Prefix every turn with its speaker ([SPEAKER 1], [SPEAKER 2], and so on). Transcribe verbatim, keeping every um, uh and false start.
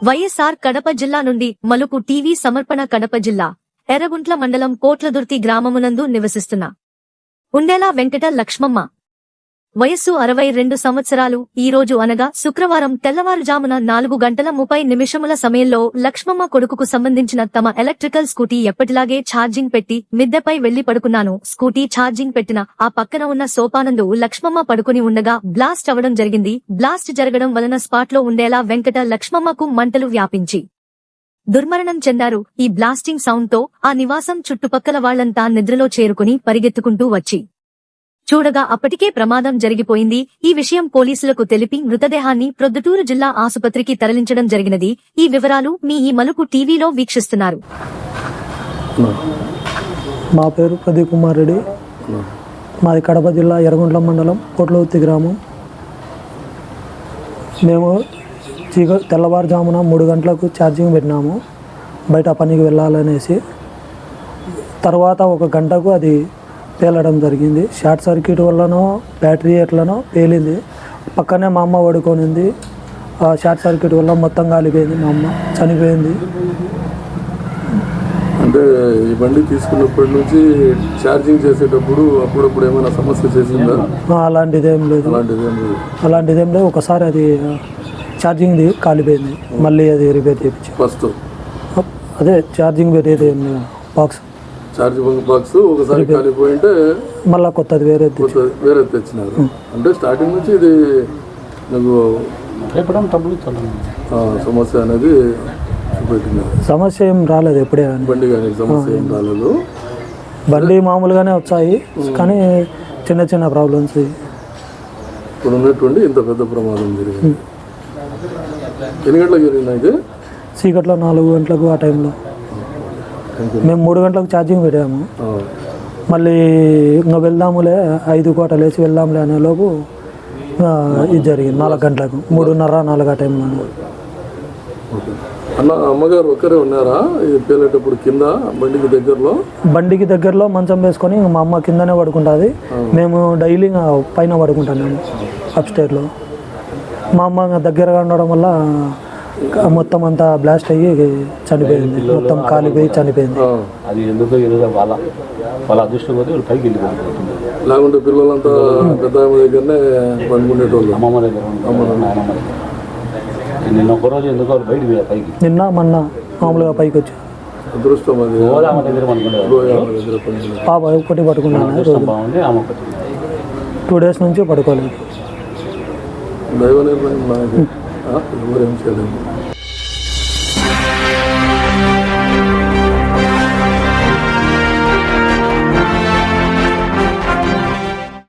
[SPEAKER 1] వైఎస్ఆర్ కడప జిల్లా నుండి మలుపు టీవీ సమర్పణ. కడప జిల్లా ఎర్రగుంట్ల మండలం కోట్లదుర్తి గ్రామమునందు నివసిస్తున్న ఉండేలా వెంకట లక్ష్మమ్మ వయస్సు అరవై రెండు సంవత్సరాలు. ఈ రోజు అనగా శుక్రవారం తెల్లవారుజామున నాలుగు గంటల ముప్పై నిమిషముల సమయంలో లక్ష్మమ్మ కొడుకుకు సంబంధించిన తమ ఎలక్ట్రికల్ స్కూటీ ఎప్పటిలాగే ఛార్జింగ్ పెట్టి మిద్దెపై వెళ్లి పడుకున్నాను. స్కూటీ ఛార్జింగ్ పెట్టిన ఆ పక్కన ఉన్న సోపానందు లక్ష్మమ్మ పడుకుని ఉండగా బ్లాస్ట్ అవడం జరిగింది. బ్లాస్ట్ జరగడం వలన స్పాట్లో ఉండేలా వెంకట లక్ష్మమ్మకు మంటలు వ్యాపించి దుర్మరణం చెందారు. ఈ బ్లాస్టింగ్ సౌండ్ తో ఆ నివాసం చుట్టుపక్కల వాళ్లంతా నిద్రలో చేరుకుని పరిగెత్తుకుంటూ వచ్చి చూడగా అప్పటికే ప్రమాదం జరిగిపోయింది. ఈ విషయం పోలీసులకు తెలిపి మృతదేహాన్ని ప్రొద్దుటూరు జిల్లా ఆసుపత్రికి తరలించడం జరిగినది. ఈ వివరాలు మీ ఈ మలుపు టీవీలో వీక్షిస్తున్నారు.
[SPEAKER 2] మా పేరు ప్రదీప్ కుమార్ రెడ్డి. మాది కడప జిల్లా ఎర్రగుంట్ల మండలం కోట్లదుర్తి గ్రామం. మేము చీక తెల్లవారుజామున మూడు గంటలకు ఛార్జింగ్ పెట్టినాము బయట పనికి వెళ్ళాలనేసి. తర్వాత ఒక గంటకు అది పేలడం జరిగింది. షార్ట్ సర్క్యూట్ వల్లనో బ్యాటరీ ఎట్లనో పేలింది. పక్కనే మా అమ్మ పడుకొనింది. ఆ షార్ట్ సర్క్యూట్ వల్ల మొత్తం కాలిపోయింది. మా అమ్మ చనిపోయింది.
[SPEAKER 3] అంటే ఈ బండి తీసుకున్నప్పటి నుంచి ఛార్జింగ్ చేసేటప్పుడు అప్పుడప్పుడు ఏమైనా సమస్య చేసిందా?
[SPEAKER 2] అలాంటిదేం లేదు
[SPEAKER 3] అలాంటిదేం లేదు
[SPEAKER 2] అలాంటిదేం లేదు ఒకసారి అది ఛార్జింగ్ది కాలిపోయింది. మళ్ళీ అది రిపేర్ చేయించి
[SPEAKER 3] ఫస్ట్
[SPEAKER 2] అదే ఛార్జింగ్ పెట్టేది బాక్స్
[SPEAKER 3] ఛార్జింగ్ బాక్స్ ఒకసారి కాలిపోయింటే
[SPEAKER 2] మళ్ళీ కొత్తది వేరే
[SPEAKER 3] వేరే తెచ్చినారు. అంటే స్టార్టింగ్ నుంచి ఇది నాకు సమస్య అనేది చూపెట్టినారు.
[SPEAKER 2] సమస్య ఏం రాలేదు ఎప్పుడే కానీ
[SPEAKER 3] బండి కానీ సమస్య ఏం రాలేదు.
[SPEAKER 2] బండి మామూలుగానే వచ్చాయి కానీ చిన్న చిన్న ప్రాబ్లమ్స్.
[SPEAKER 3] ఇప్పుడు ఉన్నటువంటి ఇంత పెద్ద ప్రమాదం జరిగింది. ఎన్ని గంటలకు జరిగింది? అయితే
[SPEAKER 2] చీకట్లో నాలుగు గంటలకు ఆ టైంలో మేము మూడు గంటలకు ఛార్జింగ్ పెట్టాము. మళ్ళీ ఇంకా వెళ్దాములే ఐదు కోట లేచి వెళ్దాంలే అనే లోపు ఇది జరిగింది. నాలుగు గంటలకు మూడున్నర నాలుగు ఆ టైంలో.
[SPEAKER 3] అన్న అమ్మగారు ఒక్కరే ఉన్నారా ఇది పేలేటప్పుడు? కింద బండికి దగ్గరలో
[SPEAKER 2] బండికి దగ్గరలో మంచం వేసుకొని మా అమ్మ కిందనే పడుకుంటుంది. మేము డైలీ పైన పడుకుంటాము అప్ స్టేర్లో. మా అమ్మ దగ్గరగా ఉండడం వల్ల మొత్తం అంతా బ్లాస్ట్ అయ్యి చనిపోయింది. మొత్తం కాలిపోయి చనిపోయింది.
[SPEAKER 4] అది ఎందుకో వాళ్ళ వాళ్ళ అదృష్టం కొద్ది పైకి వెళ్ళిపోతుంది.
[SPEAKER 3] లేకుంటే పిల్లలంతా పెద్ద దగ్గరనే పండుకునేటోళ్ళు.
[SPEAKER 4] అమ్మమ్మ దగ్గర నాయనమ్మ దగ్గర. నిన్న ఒకరోజు ఎందుకో బయటికి పైకి
[SPEAKER 2] నిన్న మొన్న మామూలుగా పైకి వచ్చి
[SPEAKER 3] అదృష్టం అది
[SPEAKER 4] ఆమె దగ్గర పనుకునే
[SPEAKER 2] పాప ఒకటి పడుకున్నాను.
[SPEAKER 4] బాగుంది. ఆమె
[SPEAKER 2] టూ డేస్ నుంచి పడుకోలేదు.
[SPEAKER 3] దైవ నిర్ణయం నాకు ఎవరేం చేయలేదు.